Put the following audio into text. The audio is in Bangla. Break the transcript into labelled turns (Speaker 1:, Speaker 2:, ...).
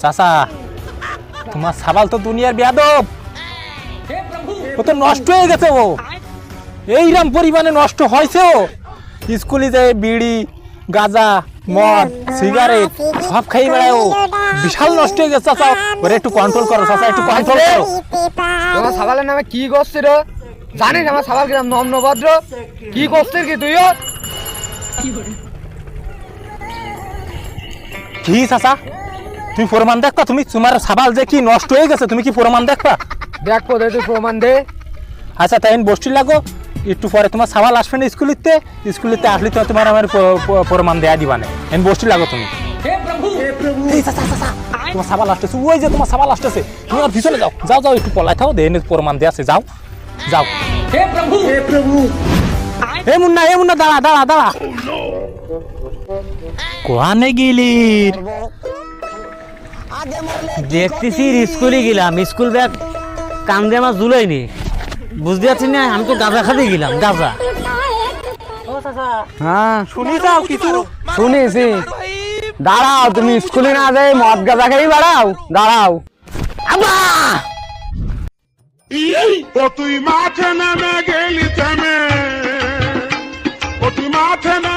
Speaker 1: চাচা তোমার সাবাল তো দুনিয়ার বেয়াদব, ও তো নষ্ট হয়ে গেছে। ও এইরকম পরিমাণে নষ্ট হয়েছে। ও স্কুলে যায় বিড়ি গাঁজা মদ সিগারেট সব খাই বেড়ায়। ও বিশাল নষ্ট হয়ে গেছে চাচা, ওরে একটু কন্ট্রোল করো চাচা, একটু কন্ট্রোল করো।
Speaker 2: তোমার সাবালের নামে কি করছিস রে? জানিস আমার সাবাল কিরাম নম্রভদ্র? কি করছিস কি তুইও?
Speaker 1: কি চাচা তুমি প্রমাণ দেখবা? তুমি তোমার সাবাল যে কি নষ্ট হয়ে গেছে তুমি কি প্রমাণ দেখবা?
Speaker 2: দেখো দে তুই প্রমাণ দে।
Speaker 1: আচ্ছা তাই বসটি লাগো, একটু পরে তোমার সাবাল আসবে না স্কুলিতে, স্কুলিতে আসলে তো তোমার আমার প্রমাণ দেয়া দিবা না। এন বসটি লাগো তুমি। এই চাচা চাচা তোমার সাবাল আসতেছে, ওই যে তোমার সাবাল আসতেছে, তুমি আর পিছনে যাও যাও যাও, একটু পলাই থাও, দেন প্রমাণ দেয়া আছে, যাও যাও। হে প্রভু হে মুন্না দাঁড়া দাঁড়া দাঁড়া। কোয়ানে গেলি?
Speaker 3: দেখতেছি স্কুলে গেলাম, স্কুল ব্যাগ কান্দে আমার জুলাইনি, বুঝতে পারছি না। আমি তো গাঁজা খাতে গেলাম, গাঁজা।
Speaker 2: হ্যাঁ
Speaker 1: শুনি যাও কিছু।
Speaker 2: শুনেছি। দাঁড়াও, তুমি স্কুলে না যাই মদ গাঁজা খাই বেড়াও? দাঁড়াও।
Speaker 4: ও তুই মাঠে নেমে গেলি থেমে, ও তুই মাঠে